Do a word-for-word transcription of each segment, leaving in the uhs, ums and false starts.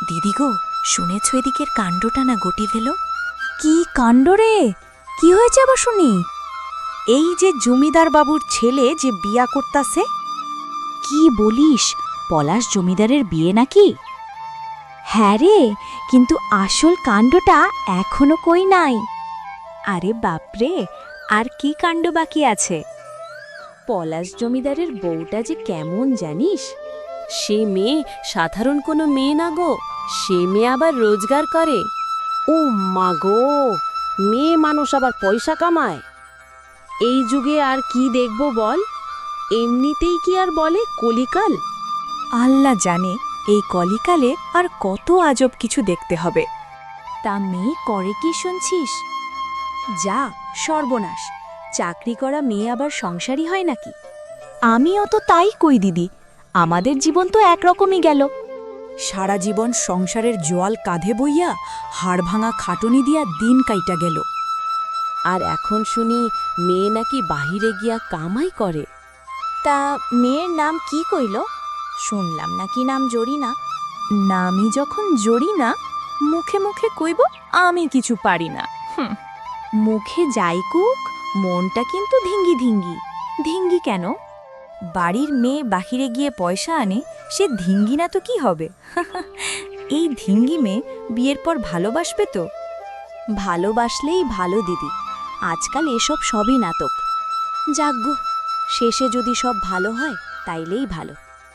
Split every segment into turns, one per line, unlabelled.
দিদি গো, শুনেছ এদিকের কাণ্ডটা না গটি ফেল?
কি কাণ্ড রে? কি হয়েছে আবার শুনি?
এই যে জমিদার বাবুর ছেলে যে বিয়া করতাছে।
কি বলিস? পলাশ জমিদারের বিয়ে নাকি? হ্যাঁ রে, কিন্তু আসল কাণ্ডটা এখনো কই নাই।
আরে বাপরে, আর কি কাণ্ড বাকি আছে?
পলাশ জমিদারের বউটা যে কেমন জানিস?
সে মেয়ে সাধারণ কোনো মেয়ে না গো, সে মেয়ে আবার রোজগার করে।
ও মা গো, মেয়ে মানুষ আবার পয়সা কামায়? এই যুগে আর কি দেখব বল? এমনিতেই কি আর বলে কলিকাল?
আল্লাহ জানে এই কলিকালে আর কত আজব কিছু দেখতে হবে।
তা মেয়ে করে কি শুনছিস? যা সর্বনাশ, চাকরি করা মেয়ে আবার সংসারী হয় নাকি?
আমিও তো তাই কই দিদি, আমাদের জীবন তো একরকমই গেল। সারা জীবন সংসারের জোয়াল কাঁধে বইয়া হাড় ভাঙা খাটুনি দিয়া দিন কাইটা গেল।
আর এখন শুনি মেয়ে নাকি বাহিরে গিয়া কামাই করে।
তা মেয়ের নাম কি কইল? শুনলাম নাকি নাম জরিনা।
নামি যখন জড়ি না, মুখে মুখে কইব আমি কিছু পারি না। হুম,
মুখে যাই কুক, মনটা কিন্তু ধিঙ্গি ধিঙ্গি।
ধিঙ্গি কেন? বাড়ির মেয়ে বাহিরে গিয়ে পয়সা আনে, সে ধিঙ্গি না তো কি হবে? এই ধিঙ্গি মেয়ে বিয়ের পর ভালোবাসবে তো?
ভালোবাসলেই ভালো দিদি, আজকাল এসব সবই নাটক। যাগ্য, শেষে যদি সব ভালো হয় তাইলেই ভালো।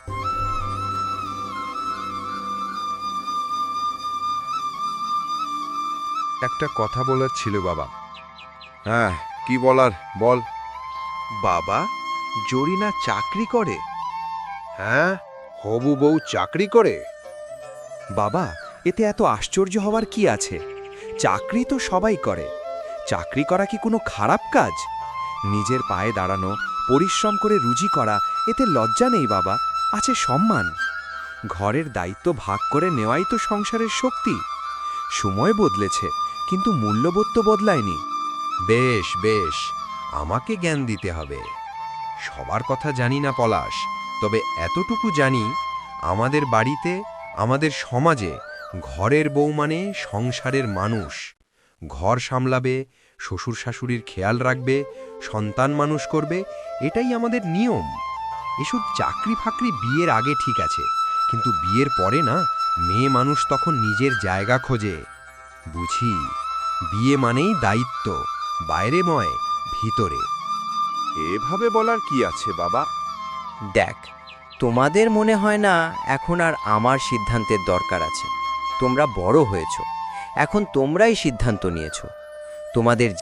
একটা কথা বলার ছিল বাবা। হ্যাঁ, কি বলার বল।
বাবা, জরিনা চাকরি করে?
হ্যাঁ, হবু বউ চাকরি করে।
বাবা, এতে এত আশ্চর্য হওয়ার কি আছে? চাকরি তো সবাই করে। চাকরি করা কি কোনো খারাপ কাজ? নিজের পায়ে দাঁড়ানো, পরিশ্রম করে রুজি করা, এতে লজ্জা নেই বাবা, আছে সম্মান। ঘরের দায়িত্ব ভাগ করে নেওয়াই তো সংসারের শক্তি। সময় বদলেছে, কিন্তু মূল্যবোধ তো বদলায়নি।
বেশ বেশ, আমাকে জ্ঞান দিতে হবে। সবার কথা জানি না পলাশ, তবে এতটুকু জানি, আমাদের বাড়িতে, আমাদের সমাজে ঘরের বউ মানে সংসারের মানুষ। ঘর সামলাবে, শ্বশুর শাশুড়ির খেয়াল রাখবে, সন্তান মানুষ করবে, এটাই আমাদের নিয়ম। এসব চাকরি ফাকরি বিয়ের আগে ঠিক আছে, কিন্তু বিয়ের পরে না, মেয়ে মানুষ তখন নিজের জায়গা খোঁজে। বুঝি, বিয়ে মানেই দায়িত্ব, বাইরে নয়, ভিতরে।
এভাবে বলার কি আছে বাবা?
দেখ, তোমাদের মনে হয় না এখন আর আমার সিদ্ধান্তের দরকার আছে। তোমরা বড় হয়েছ, এখন তোমরাই সিদ্ধান্ত নিয়েছ। তোমাদের